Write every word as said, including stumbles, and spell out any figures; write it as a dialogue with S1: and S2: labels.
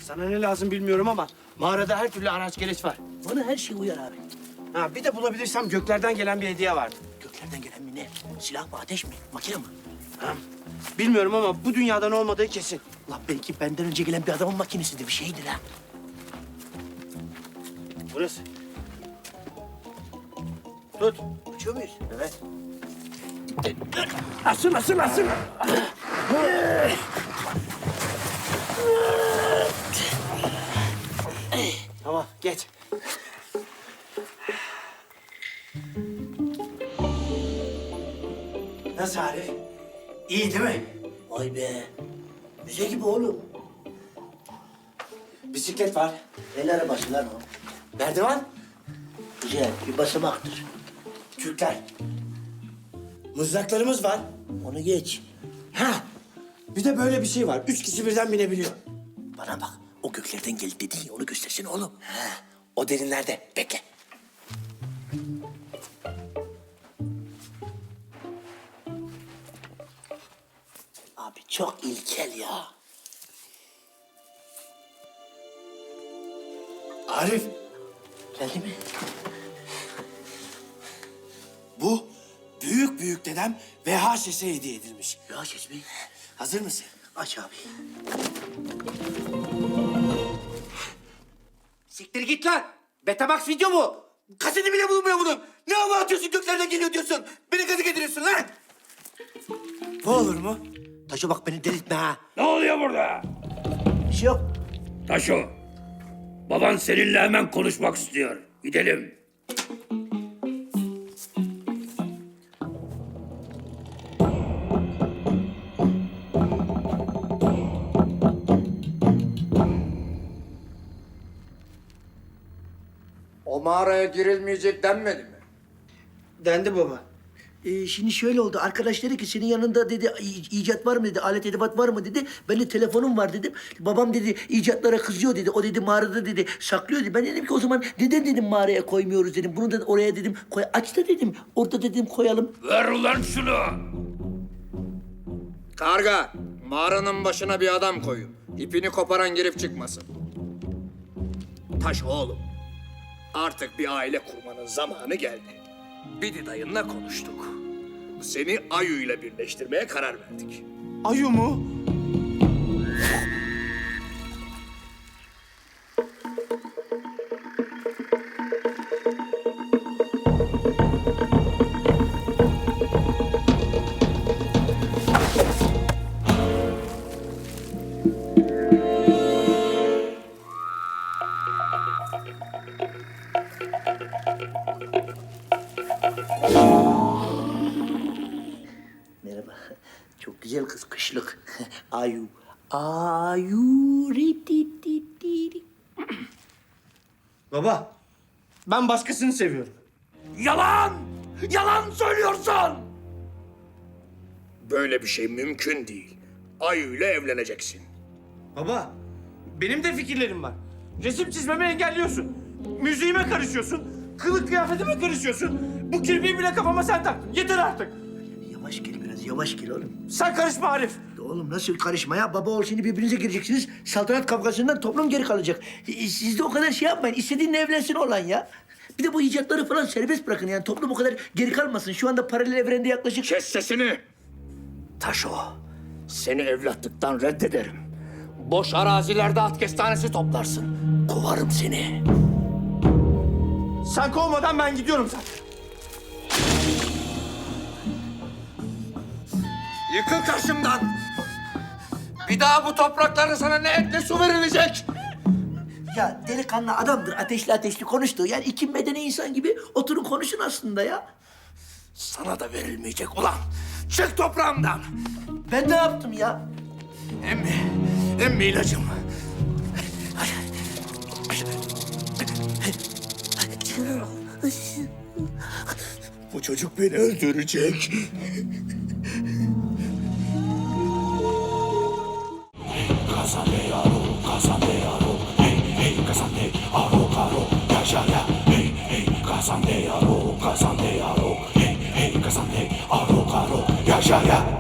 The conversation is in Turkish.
S1: Sana ne lazım bilmiyorum ama mağarada her türlü araç gereç var.
S2: Bana her şey uyar abi.
S1: Ha, bir de bulabilirsem göklerden gelen bir hediye vardı.
S2: Göklerden gelen mi ne? Silah mı, ateş mi, makine mi?
S1: Ha, bilmiyorum ama bu dünyadan olmadığı kesin.
S2: Lan belki benden önce gelen bir adamın makinesidir, bir şeydir ha.
S1: Burası. Tut.
S2: Uçuyor muyuz?
S1: Evet. Asın, asın, asın. Tamam, geç. Nasıl Arif? İyi değil mi?
S2: Vay be. Müze gibi oğlum.
S1: Bisiklet var.
S2: El arabası lan o.
S1: Merdiven.
S2: Güzel, bir basamaktır.
S1: Kürkler. Mızraklarımız var.
S2: Onu geç.
S1: Ha. Bir de böyle bir şey var. Üç kişi birden binebiliyor.
S2: Bana bak, o göklerden geldi dedin ya, onu göstersene oğlum.
S1: Ha. O derinlerde. Bekle.
S2: Abi çok ilkel ya.
S1: Arif.
S2: Geldi mi?
S1: Bu büyük büyük dedem V H S'e hediye edilmiş.
S2: Ya Şezmi,
S1: Hazır mısın?
S2: aç abi.
S1: Siktir git lan. Betamax video mu? Kaseti bile bulunmuyor bunun. Ne hava atıyorsun göklerden geliyor diyorsun. Beni gazı getiriyorsun lan. Bu olur mu?
S2: Taşa bak, beni delirtme ha.
S3: Ne oluyor burada?
S2: Bir şey yok.
S3: Taşo, baban seninle hemen konuşmak istiyor. Gidelim.
S4: O mağaraya girilmeyecek denmedi mi?
S1: Dendi baba.
S2: Ee, şimdi şöyle oldu. Arkadaş dedi ki senin yanında dedi "i- icat var mı dedi, alet edevat var mı dedi. Ben de telefonum var dedim. Babam dedi icatlara kızıyor dedi. O dedi mağarada dedi saklıyor dedi. Ben dedim ki o zaman neden dedim mağaraya koymuyoruz dedim. Bunu da oraya dedim koy aç da dedim. Orada dedim koyalım.
S3: Ver ulan şunu.
S4: Karga, mağaranın başına bir adam koyun. İpini koparan girip çıkmasın. Taş oğlum, artık bir aile kurmanın zamanı geldi. Bidi dayınla konuştuk. Seni Ayu ile birleştirmeye karar verdik.
S1: Ayu mu?
S2: Merhaba. Çok güzel kız kışlık. Ayu. Ayu. ri ti ti ti ri.
S1: Baba, ben başkasını seviyorum.
S3: Yalan! Yalan söylüyorsun!
S4: Böyle bir şey mümkün değil. Ayu ile evleneceksin.
S1: Baba, benim de fikirlerim var. Resim çizmemi engelliyorsun. Müziğime karışıyorsun. Kılık kıyafetime karışıyorsun. Bu kirpiği bile kafama sen taktın. Yeter artık.
S2: Yavaş gel biraz, yavaş gel oğlum.
S1: Sen karışma Arif.
S2: Oğlum nasıl karışma ya? Baba oğul şimdi birbirinize gireceksiniz. Saltanat kavgasından toplum geri kalacak. E, Siz de o kadar şey yapmayın. İstediğinle evlensin olan ya. Bir de bu icatları falan serbest bırakın yani. Toplum o kadar geri kalmasın. Şu anda paralel evrende yaklaşık...
S4: Kes sesini! Taşo, seni evlatlıktan reddederim. Boş arazilerde at kestanesi toplarsın. Kovarım seni.
S1: Sen kovmadan ben gidiyorum zaten.
S4: Yıkıl karşımdan! Bir daha bu topraklarda sana ne et ne su verilecek!
S2: Ya delikanlı adamdır. Ateşli ateşli konuştu. Yani iki medeni insan gibi oturun konuşun aslında ya.
S4: Sana da verilmeyecek ulan! Çık toprağımdan!
S2: Ben ne yaptım ya?
S4: Emmi, emmi ilacım. Bu çocuk beni öldürecek.
S5: Casandearo, Casandearo, hey, hey, Casande, aro, caro, cachaya, hey, hey, Casandearo, Casandearo, hey, hey, Casande, aro, caro, cachaya.